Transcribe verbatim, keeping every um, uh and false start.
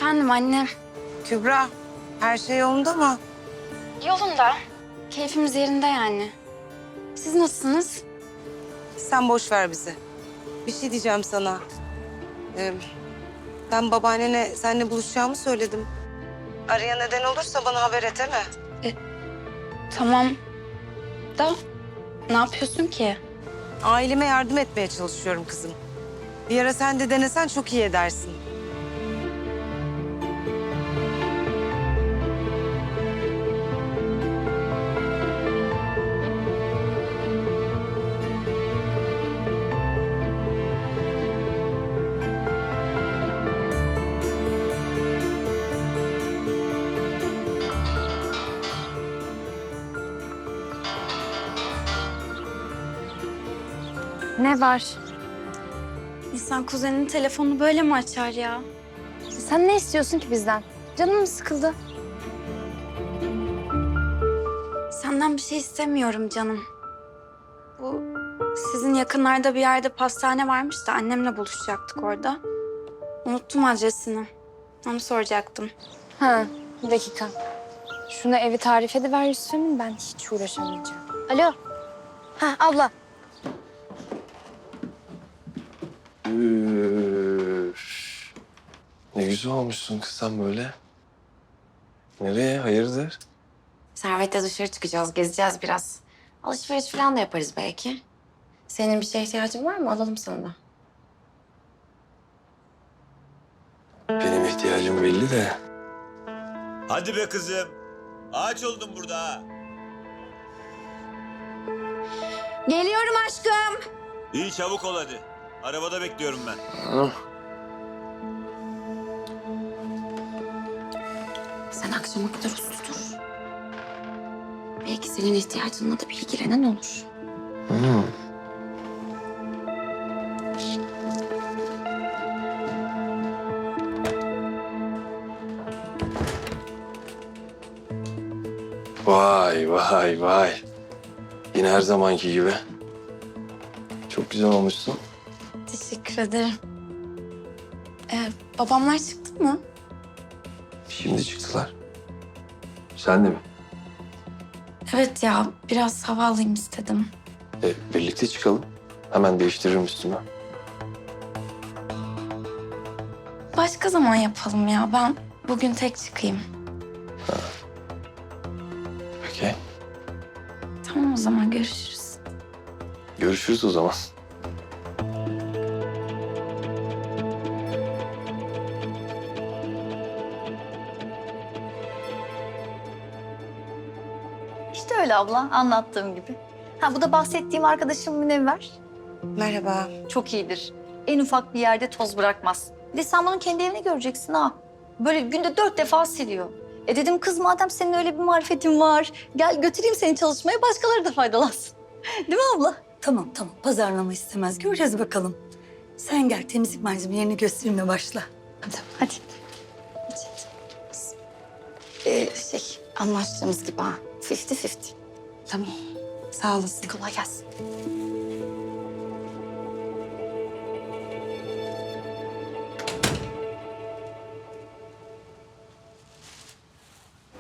Efendim anne. Kübra, her şey yolunda mı? Yolunda. Keyfimiz yerinde yani. Siz nasılsınız? Sen boş ver bizi. Bir şey diyeceğim sana. Ee, ben babaannene seninle buluşacağımı söyledim. Araya neden olursa bana haber et, değil mi? Tamam. Da ne yapıyorsun ki? Aileme yardım etmeye çalışıyorum kızım. Bir ara sen de denesen çok iyi edersin. Ne var? İnsan kuzeninin telefonunu böyle mi açar ya? Sen ne istiyorsun ki bizden? Canım mı sıkıldı? Senden bir şey istemiyorum canım. Bu sizin yakınlarda bir yerde pastane varmış da annemle buluşacaktık orada. Unuttum adresini. Onu soracaktım. Ha, bir dakika. Şuna evi tarif ediver Yusuf'un, ben hiç uğraşamayacağım. Alo. Ha abla. Üf. Ne güzel olmuşsun kız sen böyle. Nereye? Hayırdır? Servet'le dışarı çıkacağız, gezeceğiz biraz. Alışveriş falan da yaparız belki. Senin bir şeye ihtiyacın var mı? Alalım sana da. Benim ihtiyacım belli de. Hadi be kızım. Ağaç oldun burada ha. Geliyorum aşkım. İyi çabuk ol hadi. Arabada bekliyorum ben. Ha? Sen akşama kadar uslu dur. Belki senin ihtiyacınla da bir ilgilenen olur. Hı. Vay vay vay. Yine her zamanki gibi. Çok güzel olmuşsun. Teşekkür ederim. Ee, babamlar çıktı mı? Şimdi çıktılar. Sen de mi? Evet ya, biraz hava alayım istedim. E, birlikte çıkalım. Hemen değiştiririm üstümü. Başka zaman yapalım ya. Ben bugün tek çıkayım. Peki. Tamam o zaman görüşürüz. Görüşürüz o zaman. İşte öyle abla, anlattığım gibi. Ha bu da bahsettiğim arkadaşım Münevver. Merhaba. Çok iyidir. En ufak bir yerde toz bırakmaz. Bir de sen bunun kendi evini göreceksin ha. Böyle günde dört defa siliyor. E dedim kız madem senin öyle bir marifetin var, gel götüreyim seni çalışmaya, başkaları da faydalansın. Değil mi abla? Tamam tamam pazarlama istemez. Göreceğiz bakalım. Sen gel temizlik malzemelerini göstermeye başla. Hadi. Hadi. Ee, şey, anlaştığımız gibi ha. Fifty fifty. Tamam. Sağ olasın. Kolay gelsin.